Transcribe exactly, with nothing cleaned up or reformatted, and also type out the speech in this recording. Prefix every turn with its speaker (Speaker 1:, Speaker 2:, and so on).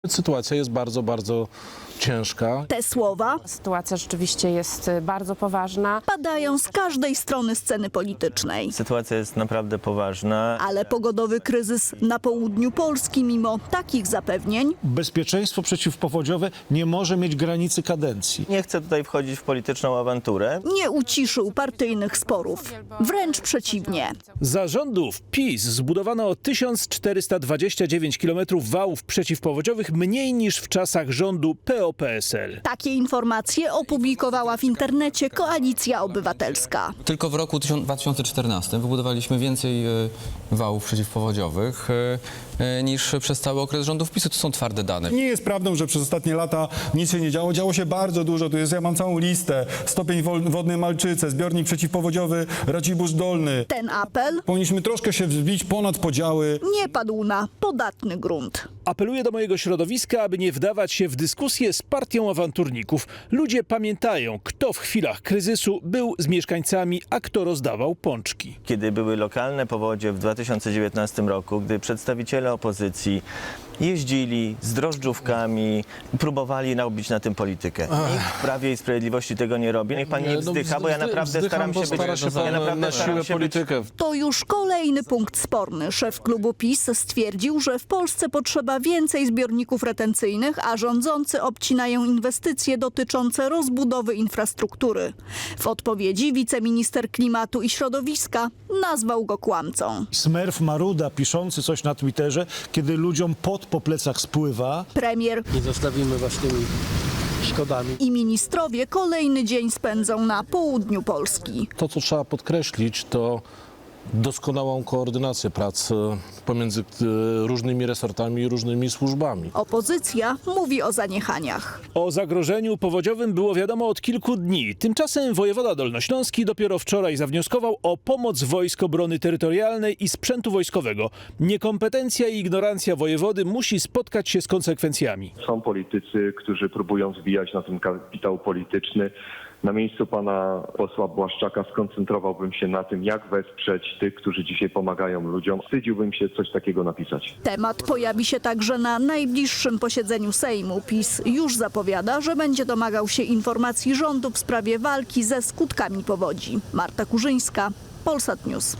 Speaker 1: Sytuacja jest bardzo, bardzo ciężka.
Speaker 2: Te słowa
Speaker 3: Sytuacja rzeczywiście jest bardzo poważna.
Speaker 2: padają z każdej strony sceny politycznej.
Speaker 4: Sytuacja jest naprawdę poważna.
Speaker 2: Ale pogodowy kryzys na południu Polski mimo takich zapewnień
Speaker 5: Bezpieczeństwo przeciwpowodziowe nie może mieć granicy kadencji.
Speaker 4: Nie chcę tutaj wchodzić w polityczną awanturę.
Speaker 2: nie uciszył partyjnych sporów. Wręcz przeciwnie.
Speaker 6: Za rządów PiS zbudowano o tysiąc czterysta dwadzieścia dziewięć kilometrów wałów przeciwpowodziowych mniej niż w czasach rządu P O P S L.
Speaker 2: Takie informacje opublikowała w internecie Koalicja Obywatelska.
Speaker 7: Tylko w roku dwa tysiące czternastym wybudowaliśmy więcej e, wałów przeciwpowodziowych e, e, niż przez cały okres rządów PiSu. To są twarde dane.
Speaker 8: Nie jest prawdą, że przez ostatnie lata nic się nie działo. Działo się bardzo dużo. Tu jest, ja mam całą listę. Stopień wol- wodny Malczyce, zbiornik przeciwpowodziowy Racibórz Dolny.
Speaker 2: Ten apel
Speaker 8: Powinniśmy troszkę się wzbić ponad podziały.
Speaker 2: nie padł na podatny grunt.
Speaker 6: Apeluję do mojego środowiska, aby nie wdawać się w dyskusję z partią awanturników. Ludzie pamiętają, kto w chwilach kryzysu był z mieszkańcami, a kto rozdawał pączki.
Speaker 4: Kiedy były lokalne powodzie w dwa tysiące dziewiętnastym roku, gdy przedstawiciele opozycji jeździli z drożdżówkami, próbowali narobić na tym politykę. Nikt w Prawie i Sprawiedliwości tego nie robi. Niech pan nie
Speaker 1: no,
Speaker 4: wzdycha, bo ja
Speaker 1: wzdy-
Speaker 4: naprawdę
Speaker 1: wzdycham,
Speaker 4: staram
Speaker 1: bo
Speaker 4: się być...
Speaker 1: stara się
Speaker 4: ja
Speaker 1: pan
Speaker 4: naprawdę
Speaker 1: na
Speaker 4: staram
Speaker 1: siłę
Speaker 4: się być
Speaker 1: politykę.
Speaker 2: To już kolejny punkt sporny. Szef klubu PiS stwierdził, że w Polsce potrzeba więcej zbiorników retencyjnych, a rządzący obcinają inwestycje dotyczące rozbudowy infrastruktury. W odpowiedzi wiceminister klimatu i środowiska nazwał go kłamcą.
Speaker 5: Smerf Maruda piszący coś na Twitterze, kiedy ludziom pot po plecach spływa.
Speaker 2: Premier
Speaker 1: Nie zostawimy was tymi szkodami.
Speaker 2: i ministrowie kolejny dzień spędzą na południu Polski.
Speaker 1: To, co trzeba podkreślić, to doskonałą koordynację prac e, pomiędzy e, różnymi resortami i różnymi służbami.
Speaker 2: Opozycja mówi o zaniechaniach.
Speaker 6: O zagrożeniu powodziowym było wiadomo od kilku dni. Tymczasem wojewoda dolnośląski dopiero wczoraj zawnioskował o pomoc Wojsk Obrony Terytorialnej i sprzętu wojskowego. Niekompetencja i ignorancja wojewody musi spotkać się z konsekwencjami.
Speaker 9: Są politycy, którzy próbują zbijać na tym kapitał polityczny. Na miejscu pana posła Błaszczaka skoncentrowałbym się na tym, jak wesprzeć tych, którzy dzisiaj pomagają ludziom. Wstydziłbym się coś takiego napisać.
Speaker 2: Temat pojawi się także na najbliższym posiedzeniu Sejmu. PiS już zapowiada, że będzie domagał się informacji rządu w sprawie walki ze skutkami powodzi. Marta Kurzyńska, Polsat News.